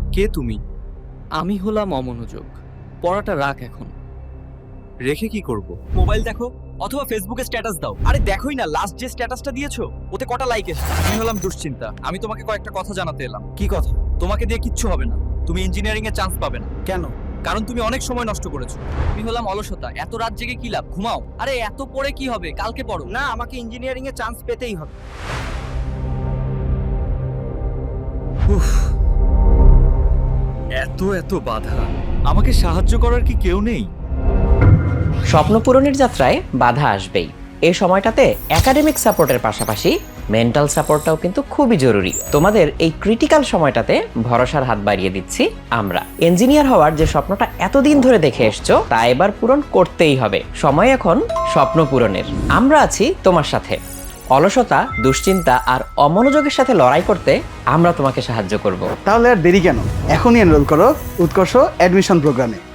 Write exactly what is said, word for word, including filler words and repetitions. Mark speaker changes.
Speaker 1: কে তুমি?
Speaker 2: আমি হলাম অমনোযোগ। পড়াটা রাখ এখন।
Speaker 1: রেখে কি করব?
Speaker 3: মোবাইল দেখো অথবা ফেসবুকে স্ট্যাটাস দাও। আরে দেখোই না লাস্ট যে স্ট্যাটাসটা দিয়েছো ওতে কটা লাইক এসেছে। আমি হলাম দুশ্চিন্তা। আমি তোমাকে কয়েকটা কথা জানাতে এলাম।
Speaker 4: কি কথা?
Speaker 3: তোমাকে দিয়ে কিচ্ছু হবে না। তুমি ইঞ্জিনিয়ারিং এ চান্স পাবে না,
Speaker 4: কেন?
Speaker 3: কারণ তুমি অনেক সময় নষ্ট করেছো।
Speaker 2: আমি হলাম অলসতা। এত রাত জেগে কি লাভ? ঘুমাও। আরে এত পড়ে কি হবে? কালকে পড়ো।
Speaker 4: না, আমাকে ইঞ্জিনিয়ারিং এ চান্স পেতেই হবে।
Speaker 1: উফ, এত এত বাধা। আমাকে সাহায্য করার কি কেউ নেই?
Speaker 5: স্বপ্ন পূরণের যাত্রায় বাধা আসবেই। এই সময়টাতে একাডেমিক সাপোর্টের পাশাপাশি মেন্টাল সাপোর্টটাও কিন্তু খুবই জরুরি। তোমাদের এই ক্রিটিক্যাল সময়টাতে ভরসার হাত বাড়িয়ে দিচ্ছি আমরা। ইঞ্জিনিয়ার হওয়ার যে স্বপ্নটা এতদিন ধরে দেখে এসছো তা এবার পূরণ করতেই হবে। সময় এখন স্বপ্ন পূরণের। আমরা আছি তোমার সাথে। অলসতা, দুশ্চিন্তা আর অমনোযোগের সাথে লড়াই করতে আমরা তোমাকে সাহায্য করব।
Speaker 4: তাহলে আর দেরি কেন? এখনই এনরোল করো উৎকর্ষ অ্যাডমিশন প্রোগ্রামে।